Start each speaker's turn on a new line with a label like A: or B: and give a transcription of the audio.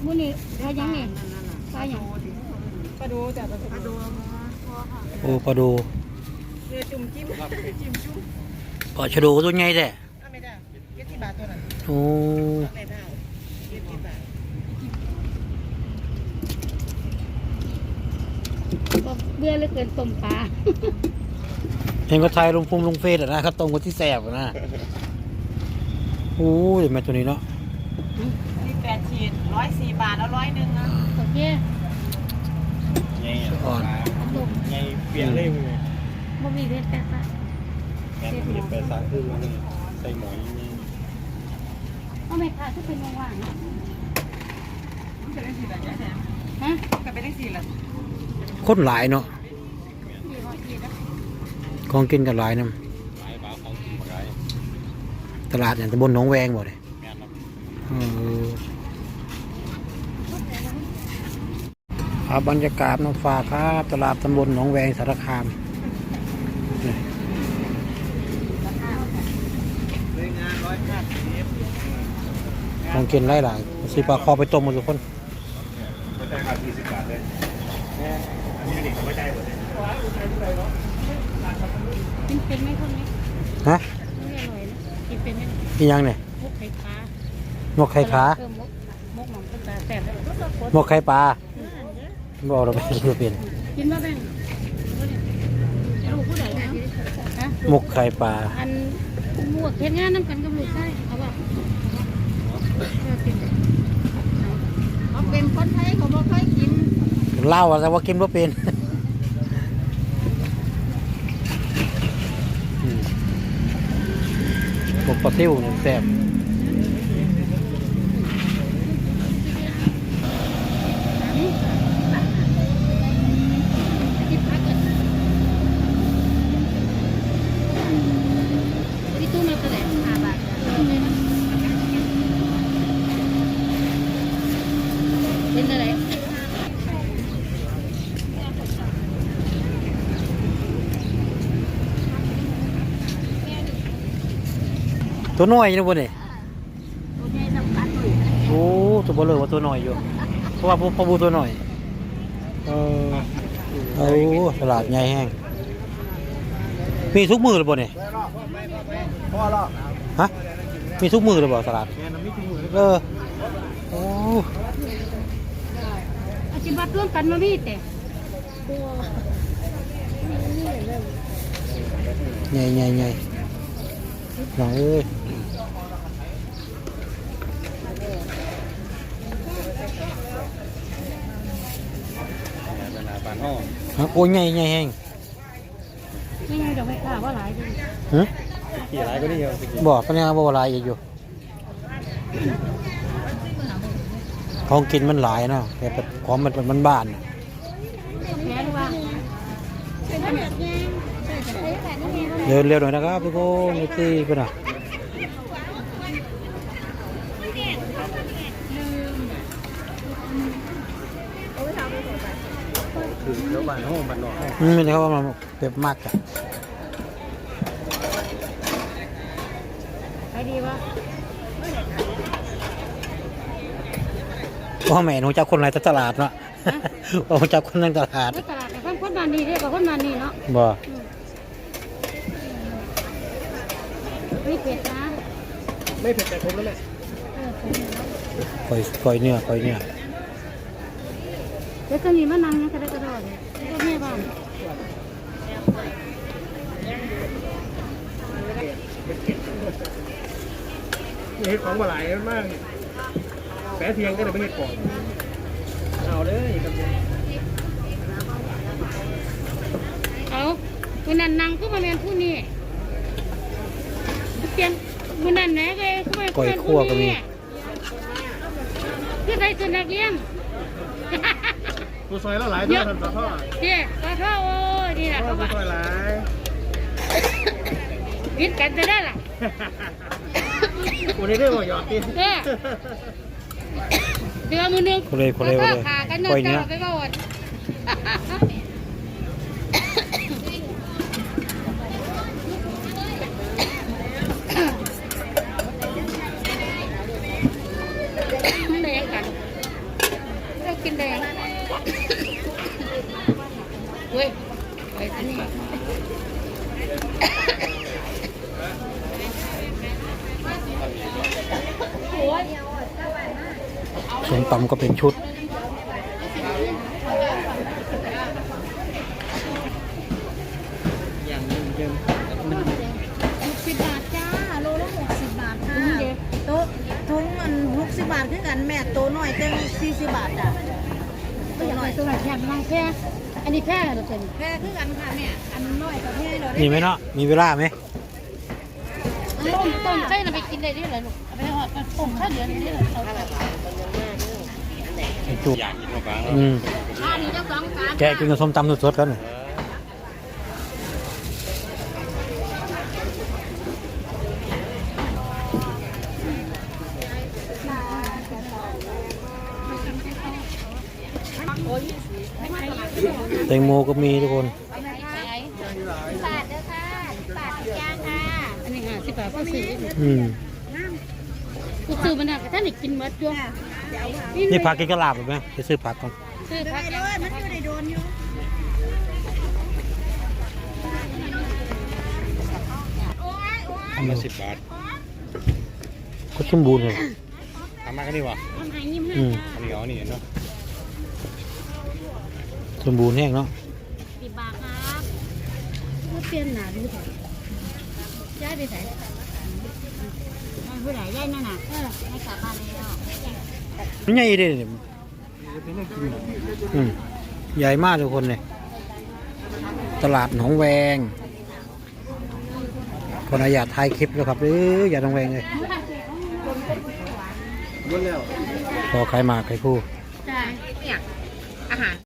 A: มื้อนี้ปลายังนี่ปลาหยังปลาดูแต่ปลาดู
B: โอ้ปลาดู
A: เรือจุ่มจิ้มจิ้มจุ่ม
B: ปลาชะโดตัวใหญ่แท้
A: ไม่ได้70 บาทตัวนั้น
B: โอ้
A: ไม่ได้70 บาทเบื่อเหลือเกินต้มปลา
B: เห็นก็ไทยลงเฟซอ่ะนะเขาตรงกับที่แสบนะโอ้ยแม่ตัวนี้เนาะ
A: นี่8 ขีด104 บาทแล้ว100นะโอเค
C: ไงอ่อนไงเปลี่ยนเลยมึง
A: บ่มีเพชรแต่ซะ
C: แม่ต้องเปลี่ยนไปสร้างคือว่าใส่หมอยนี่
A: เอาไม่ค่ะถ้าเป็นว่างๆมันจะได้4 บาทแท้ฮะก็ไปได้4ละ
B: คนหลายเนาะของกินกันหลายน้ำตลาดอย่างตำบลหนองแวงบ่เลยบรรยากาศน้องฟ้าครับตลาดตำบลหนองแวงสารคามของกินหลายสิปลาคอไปต้มหมดทุกคน
C: ไม่ได้ครับ20 บาทเลยอันนี้เด็กไม่ได้หมดเลย
A: กินเป็นไหมคนนี้
B: ฮะ
A: ไม่อร่อยนะกินเป็นไหม
B: กินยังเนี่ย
A: มุกไข่ปลา
B: หมกไข่ขา
A: มุกหม่อมก็จะแซ่บเลย
B: หมกไข่ปลาบอกเราไม่กินเป็น
A: กินมาแบ่งลูกผู้ใดนะ
B: หมกไข่ปลา
A: อันหมวกเฮ็ดงานน้ำกันกับลูกใช่เขาบอกเขาเป็นคนไทยเขาบอกค่อยกิน
B: เล่าแต่ว่ากินว่าเป็นหมกปลาซิ่วเนี่ยแซ่บ
A: เป็นอะไร
B: ตัวน้อยนะพวกนี้
A: ตัวใหญ่สำคัญเลย
B: โอ้ตัวเบลอว่าตัวน้อยอยู่เพราะว่าพอบูตัวน้อยตลาดใหญ่แห้งมีทุกมือเลยบ่เนี่ย
C: พ่อหรอ
B: ฮะมีทุกมือเลยบ่ตลาดโอ้
A: อาชีพร่วมกันมาพี่แต่
B: ใหญ่หน่อยฮะโอ้ยใหญ่แห้ง
A: ไม่ยังจะไม่ข่าวว่าหลายเลย
C: กี่หลายก็ได้เยอะ
B: บอกปัญญาบอกหลายอยู่ของกินมันหลายเนาะแต่ของมันบ้านเร็วหน่อยนะครับพี่โก้นี่ที่เป็นอ่ะ
C: เดี๋ยวบ้านห้องบ้านนอก
B: ไม่ใช่ว่ามันเจ็บมากจ้ะ
A: ไปดีวะ
B: พ่อแม่หนูจับคนไรตลาดเนาะพ่อจับคนนั่งตลาด
A: ตลาดแต่คนมานี่เรียกว่าคนมานี่เนาะ
B: บ่
A: ไม่เผ็ดนะ
C: ไม่เผ็ดแต่ผมแล้วแหละ
B: ปล่อยเนื้อ
A: เดี๋ยวจะมีมะนาวกระดกเลยก็แม่บ้าน
C: เห็ดของมาหลายมากแปะเทียงก็เลยไม่เห็ดก่อนเอาเลย
A: เอาคุณนันนังก็มาเรียนผู้นี้เปลี่ยนคุณนันไหนเลยก็มา
B: ปล่อยคั่วก็มี
A: คือใครสุนัขเลี้ยง
C: ตัวซอยแล้วหลายตัวทำต่อท่อ
A: เจ๊ต่อท่อโอ้ยนี่แหละ
C: ตัวซอยหลาย
A: กินกันจะได้หรอ
C: วันนี้ได้หมดหยอดกิน
A: เดือมือนึงขากันนอนเจ้าไปก่อนไม่ได้กันเว้ยอันนี้
B: ส้มตำก็เป็นชุด
C: อย่างนี้เดิมมัน
A: 60 บาทจ้าโลละ60 บาทค่ะโต๊ะทุงมัน60 บาทคือกันแม่โต๊ะน้อยเต็ม40 บาทจ้ะโต๊ะน้อยตัวไหนแค่บางแค่อันนี้แค่เราเป็นแค่คือกันค่ะแม่อันน้อยกับแค่เราได้
B: มีไหมเนาะมีเวลาไหม
A: ต้มใช่เราไปกินได้ด้วยเหรอลูกเอาไปหอดต้มข้าวเหนียวนี่เหรอเอาแบบ
B: ไอ้จุก
C: อยากกินมะพร้าว
A: อันนี้เจ้าของการ
B: แกะกินกับส้มตำสดๆกัน แตงโมก็มีทุกคน
A: บาทเด้อค่ะบาทย่างค่ะอันนี้50 บาทก็ซื้อ กูซื้อมันน่ะท่านอีกกินหมดจ้ะ
B: นี่ผักกินกระลาบหรือไหมไปซื้อผักก่อน
A: ซื้อผักเลยมันอยู่ในโดนอยู่
B: ทำมา
C: 10 บาท
B: ก็สมบูรณ์เลย
C: ทำมากันดีวะ
A: ทำให้ยิ้มให้
C: อันนี้เอานี่เนาะ
B: สมบูรณ์แห้งเนาะ
A: 10 บาทครับก็เปลี่ยนหนาดูเถอะย้ายไปไหนผู้ใหญ่ย้ายนั่นน่ะให้กลับบ้านแล้ว
B: มันใหญ่ดิเนี่ยใหญ่มากทุกคนเลยตลาดหนองแวงคนอยากถ่ายคลิปแล้วครับอย่าหนองแวงเลยพอใครมาใครคู่
A: ใช่อาหาร